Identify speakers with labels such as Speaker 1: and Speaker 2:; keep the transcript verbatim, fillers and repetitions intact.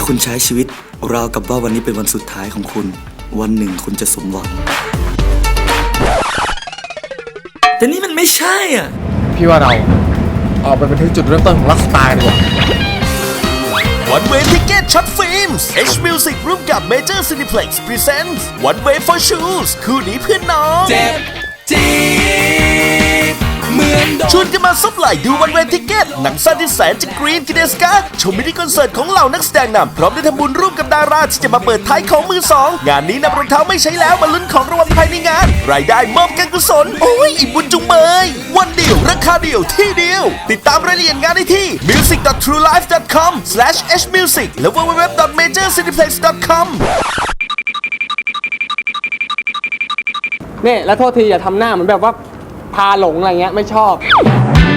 Speaker 1: คุณใช้ชีวิตราวกับว่าวันนี้เป็นวันสุดท้ายของคุณวันหนึ่งคุณจะสมหวังแต่นี่มันไม่ใช่อ่ะ
Speaker 2: พี่ว่าเราออกไปเป็นที่จุดเริ่มต้นของรักสไตล์ดีกว่า
Speaker 3: One Way Ticket Shot Films H Music ร่วมกับ Major Cineplex Presents One Way for Shoes คู่นี้เพื่อนน้องเจ็บจี๊ดเหมือนชวนกันมาซับไหลดู One Way Ticket หนังสั้นที่แสนจะกรีนกินเดสกาชมมินิคอนเสิร์ตของเหล่านักแสดงนำพร้อมได้ทำบุญร่วมกับดาราที่จะมาเปิดท้ายของมือสองงานนี้นำรองเท้าไม่ใช้แล้วมาลุ้นของรางวัลภายในงานรายได้มอบการกุศลโอ้ยอิ่มบุญจุงเบยวันเดียวราคาเดียวที่เดียวติดตามรายละเอียดงานได้ที่ music dot true life dot com slash h music และ double-u double-u double-u dot major cineplex dot com
Speaker 4: เนี่ยแล้วโทษทีอย่าทำหน้าเหมือนแบบว่าพาหลงอะไรเงี้ยไม่ชอบ